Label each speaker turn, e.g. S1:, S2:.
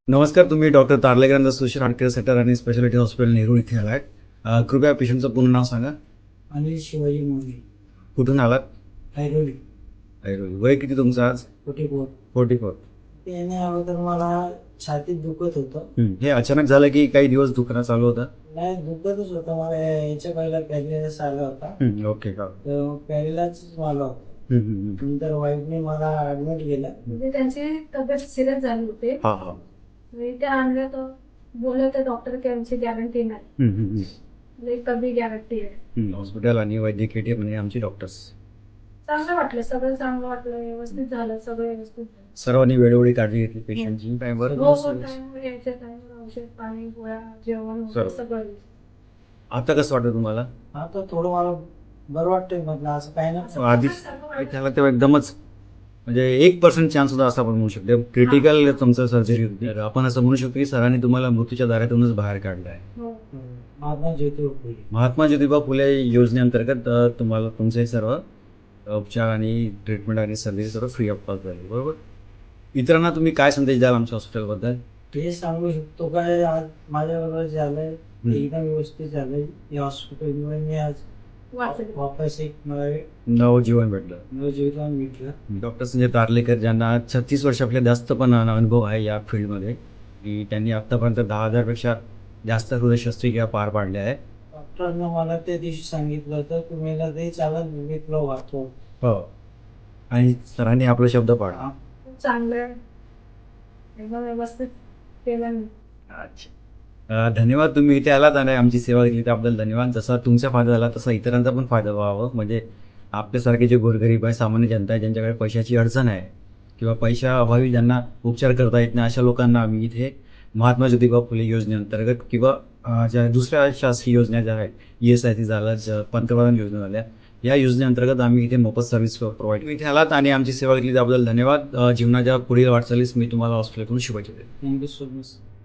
S1: नमस्कार. तुम्ही डॉक्टर तारलेकरांचा सोशल हार्टकेअर सेंटर आणि स्पेशालिटी हॉस्पिटल नेहरू इथे आलात. कृपया पेशंटचं पूर्ण नाव सांगा.
S2: अनिल शिवाजी मोरे.
S1: कुठून आलात?
S2: ऐरोली.
S1: ऐरोली. वय किती तुमचं आज?
S2: 44.
S1: 44.
S2: त्याने अगोदर मला छातीत दुखत होतं.
S1: हे अचानक झालं की काही दिवस दुखणं चालू होतं?
S2: नाही, दुखतच होतं मला. याच्या पहिला पॅरिलाइस आला होता.
S1: ओके का.
S2: तर पॅरिलाइस मला होता. नंतर वाईफने मला ऍडमिट केलं.
S3: म्हणजे त्यांची तब्येत सिरियस झाली होती.
S1: हां हां.
S3: ते आणलं तर बोलले होते डॉक्टर की आमची गॅरंटी नाही, म्हणजे कमी गॅरंटी आहे.
S1: हॉस्पिटल आणि वैद्यकीय टीम म्हणजे आमची डॉक्टर्स
S3: चांगलं वाटलं, सगळं चांगलं वाटलं, व्यवस्थित झालं, सगळं व्यवस्थित झालं.
S1: सर्वांनी वेळोवेळी काळजी घेतली पेशंटची. टाईमवर
S3: हो हो, टाइमवर यायच्या टाइमवर औषध पाणी गोळ्या जेवण वगैरे सगळं.
S1: आता कसं वाटतं तुम्हाला?
S2: आता थोडं मला बरं वाटतंय. म्हटलं असं काही नाही.
S1: आधी त्याला तेव्हा एकदमच म्हणजे 1% चान्स होता असं आपण म्हणू शकतो. क्रिटिकल तुमचं सर्जरी होती. तर आपण असं म्हणू शकतो की सरांनी तुम्हाला मृत्यूच्या दारातूनच बाहेर काढलं आहे.
S3: हो.
S2: महात्मा ज्योतिबा फुले.
S1: महात्मा ज्योतिबा फुले योजनेअंतर्गत तुम्हाला तुमचे सर्व उपचार आणि ट्रीटमेंट आणि सर्जरी सर्व फ्री ऑफ कॉस्ट झाली, बरोबर. इतरांना तुम्ही काय संदेश द्याल आमच्या हॉस्पिटलबद्दल?
S2: हे सांगू शकतो काय, आज माझ्याबरोबर झालंय एकदम व्यवस्थित झालंय. या हॉस्पिटलमुळे मी आज
S3: वाचलं.
S2: वापस एक मला
S1: नवजीवन भेटलं.
S2: नवजीवन भेटलं.
S1: डॉक्टर संजय तारलेकर ज्यांना 36 वर्षापेक्षा जास्त पण अनुभव आहे या फील्डमध्ये, की त्यांनी आत्तापर्यंत 10,000पेक्षा जास्त हृदयशस्त्रक्रिया पार पाडल्या आहे.
S2: डॉक्टरनं मला त्या दिवशी सांगितलं होतं तुम्ही ना ते चालत मी तुला वाचतो.
S1: हो. आणि सरांनी आपला शब्द पाळला.
S3: खूप चांगलं आहे, एकदम व्यवस्थित केलं मी.
S1: अच्छा. धन्यवाद. तुम्ही इथे आलात आणि आमची सेवा केली त्याबद्दल धन्यवाद. जसा तुमचा फायदा झाला तसा इतरांचा पण फायदा व्हावा. म्हणजे आपल्यासारखे जे गोरगरीब आहे, सामान्य जनता आहे, ज्यांच्याकडे पैशाची अडचण आहे किंवा पैशाअभावी ज्यांना उपचार करता येत नाही, अशा लोकांना आम्ही इथे महात्मा ज्योतिबा फुले योजनेअंतर्गत किंवा ज्या दुसऱ्या शासकीय योजना ज्या आहेत, ESIC झालं, पंतप्रधान योजना झाल्या, या योजनेअंतर्गत आम्ही इथे मोफत सर्व्हिस प्रोव्हाइड इथे आलात आणि आमची सेवा केली त्याबद्दल धन्यवाद. जीवनाच्या पुढील वाटचालीस मी तुम्हाला हॉस्पिटलकडून शुभेच्छा देतो.
S2: Thank you so much.